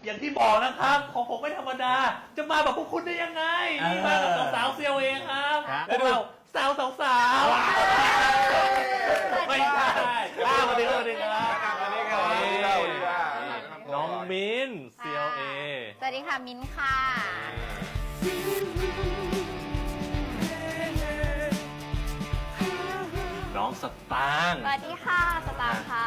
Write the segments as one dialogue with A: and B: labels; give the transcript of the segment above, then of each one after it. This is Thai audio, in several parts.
A: อย่างที่บอกนะครับของผมไม่ธรรมดาจะมาแบบพวกคุณได้ยังไงนี่มากับสาวๆเซียวเองครับพวกเราสาวไม่ใช่สวัสดีครับสวัสดีครับน้องมิ้นเซียวเอ
B: สวัสดีค่ะมิ้นค่ะ
A: น้องสตางค์
B: สวัสดีค่ะสตางค์ค่ะ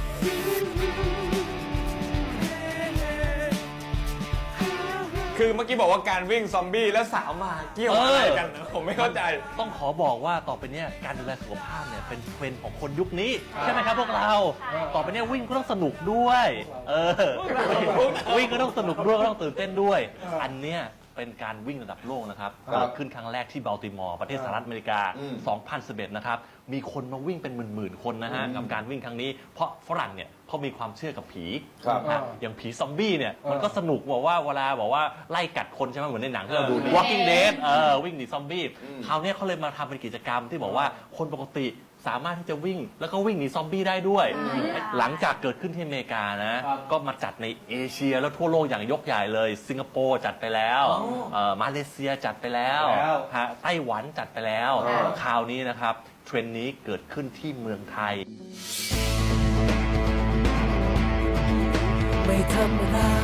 C: คือเมื่อกี้บอกว่าการวิ่งซอมบี้แล้วสาวมาเกี่ยวอะไรกันนะผมไม่เข้าใจ
A: ต้องขอบอกว่าต่อไปเนี้ยการดูแลสุขภาพเนี่ยเป็นเทรนด์ของคนยุคนี้ใช่ไหมครับพวกเราต่อไปเนี้ยวิ่งก็ต้องสนุกด้วยวิ่งก็ต้องสนุกด้วยก็ต้องตื่นเต้นด้วยอันเนี้ยเป็นการวิ่งระดับโลกนะครับเกิดขึ้นครั้งแรกที่บัลติมอร์ประเทศสหรัฐอเมริกา 2011 นะครับมีคนมาวิ่งเป็นหมื่นๆคนนะฮะกับการวิ่งครั้งนี้เพราะฝรั่งเนี่ยเขามีความเชื่อกับผีอย่างผีซอมบี้เนี่ยมันก็สนุกบอกว่าเวลาบอกว่าไล่กัดคนใช่ไหมเหมือนในหนังที่เราดู Walking Dead วิ่งหนีซอมบี้คราวนี้เขาเลยมาทำเป็นกิจกรรมที่บอกว่าคนปกติสามารถที่จะวิ่งแล้วก็วิ่งหนีซอมบี้ได้ด้วยหลังจากเกิดขึ้นที่อเมริกานะก็มาจัดในเอเชียแล้วทั่วโลกอย่างยกใหญ่เลยสิงคโปร์จัดไปแล้วมาเลเซียจัดไปแล้วไต้หวันจัดไปแล้วคราวนี้นะครับเทรนด์นี้เกิดขึ้นที่เมืองไทย
D: ไม่ธรรมดา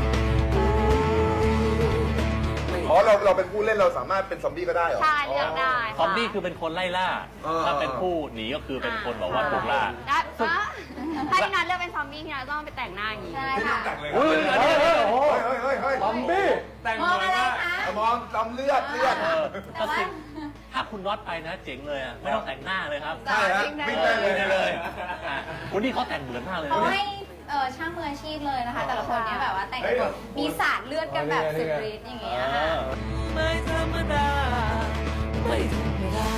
E: อ๋อเราเป็นผู้เล่นเราสามารถเป็นซอมบี้ก็ได้เหรอ
B: ใช่เลือกได้
A: ซอมบี้คือเป็นคนไล่ล่าถ้าเป็นผู้หนีก็คือเป็นคนบอกว่าถูกล่า
B: ถ้าพี่นัทเลือกเป็นซอมบี้พี่นัทต้องไปแต่งหน้าอย่างนี้ใช่ค่ะ
E: เฮ้ยซอมบี้
C: แต่งเหมือนว่
E: ามองซอมเลือด
A: ก็สิถ้าคุณน็อตไปนะเจ๋งเลยอ่ะไม่ต้องแต่งหน้าเลยครับ
E: ใช่ฮะวิ่งได้
A: เลยคนนี้เขาแต่งเหมือนมากเลย
B: เขาให้ช่างมืออาชีพเลยนะคะแต่ละคนเนี้ยแบบว่าแต่งแบบมีสาดเลือดกันแบบสุดฤทธิ์อย่างเงี้ย
D: ไม่ธรรมดาไม่ธรรมดา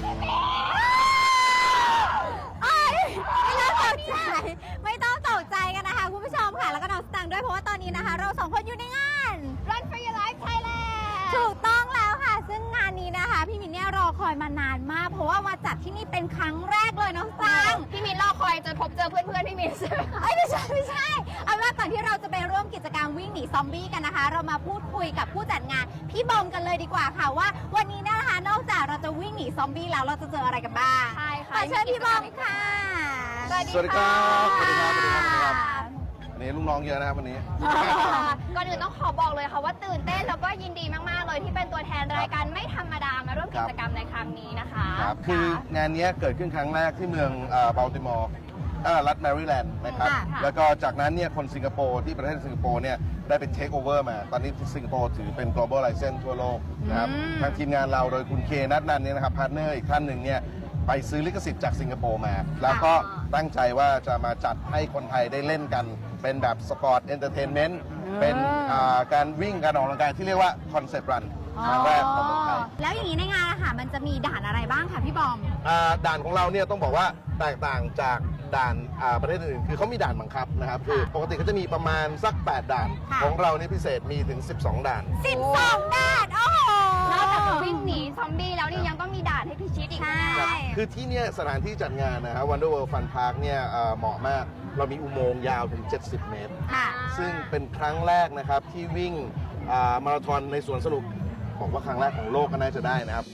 B: ไม่ต้องตกใจกันนะคะคุณผู้ชมค่ะแล้วก็น้องสตังค์ด้วยเพราะว่าตอนนี้นะคะเราสองคนอยู่ในงาน Run for Your Life Thailand ถูกต้องแล้วค่ะซึ่งงานนี้นะคะพี่มินเนี่ยรอคอยมานานมากเพราะว่ามาจัดที่นี่เป็นครั้งแรกเลยน้องสตังค์พี่มินรอคอยจะพบเจอเพื่อนๆพี่มินใช่ไหมไม่ใช่เอาว่าก่อนที่เราจะไปร่วมกิจกรรมวิ่งหนีซอมบี้กันนะคะเรามาพูดคุยกับผู้จัดงานพี่บอมกันเลยดีกว่าค่ะว่าวันนี้นะคะนอกจากเราจะวิ่งหนีซอมบี้แล้วเราจะเจออะไรกันบ้างใช่ค่ะขอเชิญพี่บอมค่ะ
E: สวัสดีครับสวัสดีครับนี่ลูกน้องเยอะนะครับวันนี้
B: ก่อนอื่นต้องขอบอกเลยค่ะว่าตื่นเต้นแล้วก็ยินดีมากๆเลยที่เป็นตัวแทนรายการไม่ธรรมดามาร่วมกิจกรรมในครั้งนี้นะคะ
E: ครับคืองานนี้เกิดขึ้นครั้งแรกที่เมืองบัลติมอร์รัฐแมริแลนด์นะครับแล้วก็จากนั้นเนี่ยคนสิงคโปร์ที่ประเทศสิงคโปร์เนี่ยได้เป็นเทคโอเวอร์มาตอนนี้สิงคโปร์ถือเป็น global license ทั่วโลกนะครับทางทีมงานเราโดยคุณเคนัทนันเนี่ยนะครับพาร์ทเนอร์อีกท่านหนึ่งเนี่ยไปซื้อลิขสิทธิ์จากสิงคโปร์มาแล้วก็ตั้งใจว่าจะมาจัดให้คนไทยได้เล่นกันเป็นแบบสปอร์ตเอนเตอร์เทนเมนต์เป็นการวิ่งการออกกำลังกายที่เรียกว่าคอนเซปต์รันครั้งแรกของเมืองไทย
B: แล้วอย่างนี้ในงานนะคะมันจะมีด่านอะไรบ้างคะพี่บอม
E: ด่านของเราเนี่ยต้องบอกว่าแตกต่างจากด่านประเทศอื่นคือเขามีด่านบังคับนะครับคือปกติเขาจะมีประมาณสัก8ด่านของเราเนี่ยพิเศษมีถึง12ด่าน
B: 12ด่านโอ้โหนอกจากจะวิ่งหนีซอมบี้แล้วนี่ยังต้องมีด่านให้พิชิตอีก
E: คือที่เนี่ยสถานที่จัดงานนะครับ Wonder World Fun Park เนี่ยเหมาะมากเรามีอุโมงค์ยาวถึง70 เมตรซึ่งเป็นครั้งแรกนะครับที่วิ่งมาราธอนในสวนสนุกบอกว่าครั้งแรกของโลกก็น่าจะได้นะครับ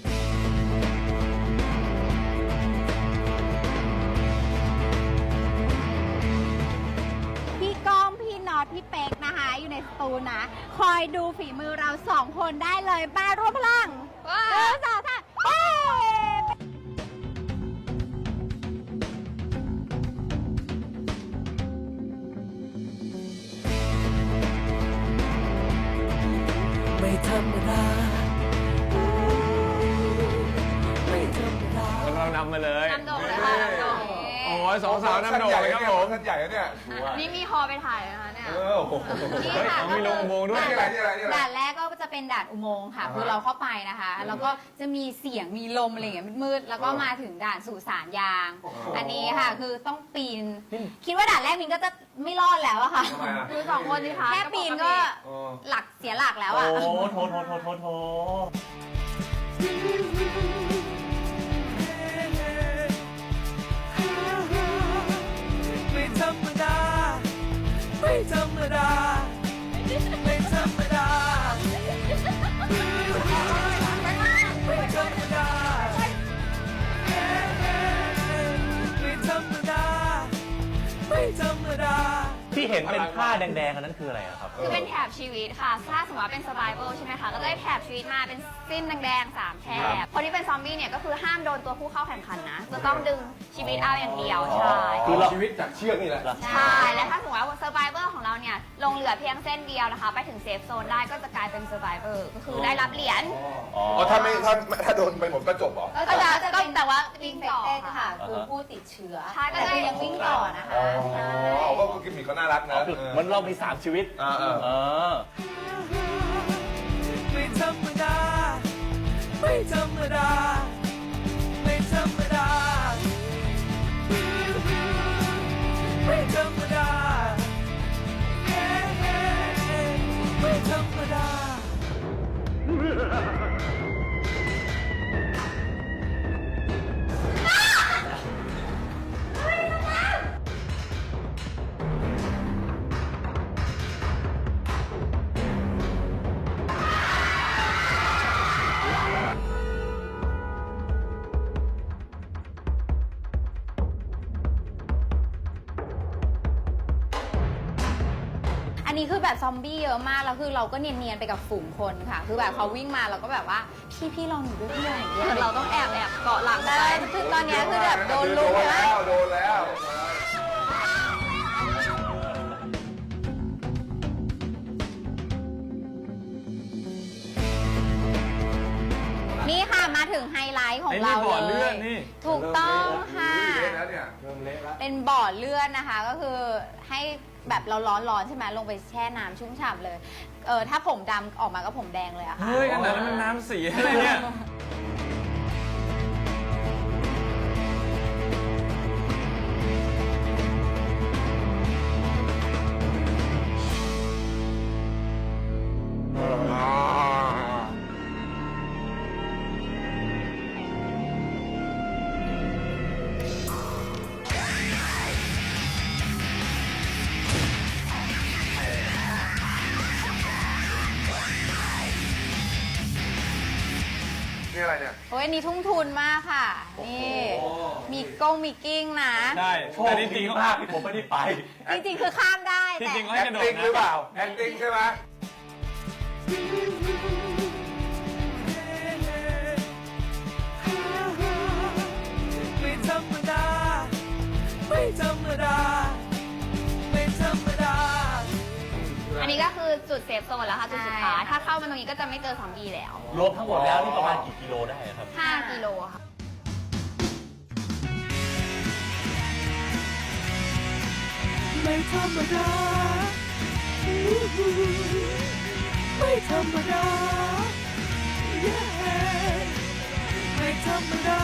B: พี่ก้องพี่น็อตพี่เป๊กนะคะอยู่ในสตูนะคอยดูฝีมือเรา2คนได้เลยบ้ารวมพลัง1 2 3
D: ไม่ธรรมดาไม่ธรรมดา
C: เรานำมาเลย
B: นำโด่งเลยค่ะนำโด่ง
C: โอ้ย2 สาวนำโด่งเลยครับผม
E: ท่านใหญ่เนี่ย
B: นี่มีฮอไปถ่ายนะคะเนี่ย
C: นี่ค่ะมีลงอุโมงค์ด้วย
B: ด่านแรกก็จะเป็นด่านอุโมงค์ค่ะคือเราเข้าไปนะคะแล้วก็จะมีเสียงมีลมอะไรอย่างเงี้ยมืดๆแล้วก็มาถึงด่านสุสานยางอันนี้ค่ะคือต้องปีนคิดว่าด่านแรกมินก็จะไม่รอดแล้วอะค่ะคือ2คนสิคะแค่ปีนก็หลักเสียหลักแล้วอะ
A: โอ้โถ
D: ไม่ธรรมดาไม่ธรรมดา
A: ห็นเป็นผ้าแดงๆอันนั้นคืออะไรอะครับ
B: คือเป็นแถบชีวิตค่ะถ้าสมมติว่าเป็น survival ใช่ไหมคะ ก็จะได้แถบชีวิตมาเป็นสิ้นแดงๆ3แถบคนที่เป็นซอมบี้เนี่ยก็คือห้ามโดนตัวผู้เข้าแข่งขันนะ จะต้องดึงชีวิตเอาอย่างเดียว ใช่
A: คือเรา
E: ชีวิตจากเชือกนี่แหละ
B: ใช่ และถ้าสมมติว่า survivor ของเราเนี่ยลงเหลือเพียงเส้นเดียวนะคะ ไปถึงเซฟโซนได้ก็จะกลายเป็น survivor ก็คือได้รับเหรียญ
A: อ๋อ
E: อ๋อถ้าโดนไปหมดก็จบเหรอ
B: ก็จะแต่ว่าวิ่งต่อ
F: ค่ะ
B: ค่ะ
F: คือผู้ติดเชื้อ
B: ใช่ก็จะยังวิ่งต่อนะคะ ใช่
E: ก็กิมมิคเขาน่ารักนะ
A: คือเหมันเรามี 3 ชีวิต เออ
D: ไม่ธรรมดา ไม่ธรรมดา ไม่ธรรมดา ไม่ธรรมดา ไม่ธรรมดา
B: อันนี้คือแบบซอมบี้เยอะมากแล้วคือเราก็เนียนๆไปกับฝูงคนค่ะ คือแบบเขาวิ่งมาเราก็แบบว่าพี่ลองหนูด้วยพี่ลองหนูด้วยเราต้องแอบเกาะหลังได้คือตอนเนี้ยคือแบบโดนลุมนะ
E: โดนแล้ว
B: นี่ค่ะมาถึงไฮไลท์ของ
C: ไอ้นี่
B: เรา
C: บ่อ
B: เล
C: เลือย ดนี่
B: ถูกต้องค่ะ
E: เละแล้วเนี่ยเริ่มเละแล้ว
B: เป็นบ่อเลือดนะคะ ก็คือให้แบบเราร้อนๆใช่ไหมลงไปแช่น้ำชุ่มฉ่ำเลย ถ้าผมดำออกมาก็ผมแดงเลยอะค่ะ
C: เฮ้ยขนาดนั้นมันน้ำสีอะไรเนี่ย
E: นี่อะไรเนี่ย
B: โอ้ยอันนี้ทุ่มทุนมากค่ะ นี่มีกิ้งนะ
C: ใช่
A: โช
C: แต่
A: ค
C: จ
A: ดี
C: ริงๆเขา
A: มากที่ผมไม่ได้ไป
B: จริงๆคือข้ามได้
C: จ
B: แต่
C: ริงๆเขาให้กระโดด
E: acting หรือเปล่า acting ใช่ไหม
D: ไม่ธรรมดา ไม่ธรรมดา ไม่ธรรมดา
B: อันนี้ก็คือจุดเซฟโซนแล้วค่ะจุดสุดท้ายถ้าเข้ามาตรงนี้ก็จะไม่เจอซอมบี้แล้ว
A: รวมทั้งหมดแล้วนี่ประมาณกี่กิโลได้อะครับ
B: 5 กิโลค่ะ
D: ไม่ธรรมดา ไม่ธรรมดา ไม่ธรรมดา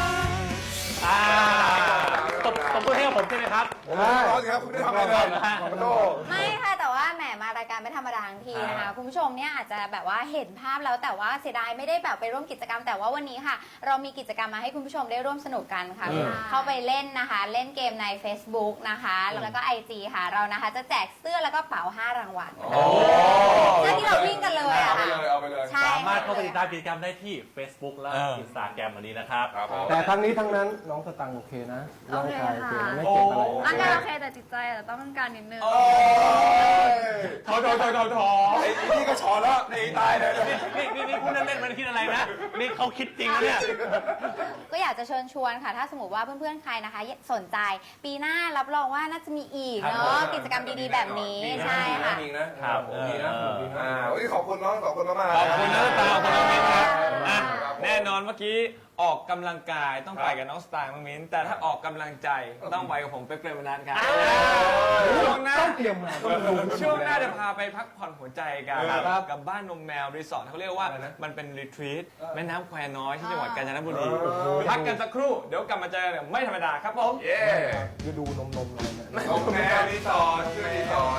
A: ตบมือให้กับผมใช่ไหมครับ
E: ร้อนครับคุณไม่ได้ทำอะไรเลยขอโทษ
B: ไม่ค่ะแต่ว่าแหมมารายการไม่ธรรมดาทั้งทีนะคะคุณผู้ชมเนี่ยอาจจะแบบว่าเห็นภาพแล้วแต่ว่าเสียดายไม่ได้แบบไปร่วมกิจกรรมแต่ว่าวันนี้ค่ะ เรามีกิจกรรมมาให้คุณผู้ชมได้ร่วมสนุกกันค่ะเข้าไปเล่นนะคะ เล่นเกมใน Facebook นะคะแล้วก็ IG ค่ะเรานะคะจะแจกเสื้อแล้วก็เป๋า5 รางวัลเสื้อที่เราวิ่งกันเลยอะ
E: เอาไป
B: ค่ะ
E: เลยเอาไปเลย
B: ใช่
A: สามารถเข้าไปติดตามกิจกรรมได้ที่ Facebook และ Instagram อันนี้นะครับ
E: ครับผม
G: แต่ทั้งนี้ทั้งนั้นน้องสตังค์โอเคนะ ร่างกายโอเคนะไม่เจ็บอะไร
B: ร่างกายโอเคแต่จิตใจอาจจะต้องการนิดนึง
C: ถอไอ้นี่ก็ชอแล้วหนีตายเลย
A: นี่พูดเล่นๆมันคิดอะไรนะ นี่เขาคิดจริงนะเนี่ย
B: ก็อยากจะเชิญชวนค่ะ ถ้าสมมติว่าเพื่อนๆ ใครนะคะสนใจปีหน้ารับรองว่าน่าจะมีอีกเนาะกิจกรรมดีๆ แบบนี้ใช่ค่ะ
E: จริงนะครับ ดีนะดีนะวันนี้ขอบคุณน้องสองคนมากๆ
C: ขอบคุณน้องสตาร์ขอบคุณน้องมิ้นครับอ่ะ
E: ครับผม
C: แน่นอนเมื่อกี้ออกกำลังกายต้องไปกับน้องสตาร์น้องมิ้นแต่ถ้าออกกำลังใจต้องไปกับผมเป๊กเปรมนัทครับช่วงหน้า
G: ต้องเตรียมมาต้องดู
C: ช่วงหน้าจะพาไปพักผ่อนหัวใจกัน
G: ครับ
C: กับบ้านนมแมวรีสอร์ทเขาเรียกว่ามันเป็นรีทรีตแม่น้ำแควน้อยที่จังหวัดกาญจนบุรีพักกันสักครู่เดี๋ยวกลับมาเจอกันไม่ธรรมดาครับผม
E: เย้
G: คือดูนมอะไรเนี่ย
E: ขอบคุณแม่รีสอร์ทชื่อรีสอร์ท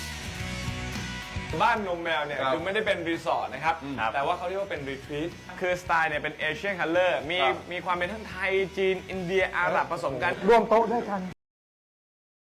C: บ้านนมแมวเนี่ย
E: ครับ
C: คือไม่ได้เป็นรีสอร์ทนะครับ แต่ว่าเขาเรียกว่าเป็นรีทรีตคือสไตล์เนี่ยเป็นเอเชียนคัลเลอร์มีความเป็นทั้งไทยจีนอินเดียอาหรับผสมกัน
G: ร่วมโต๊ะด้วยกัน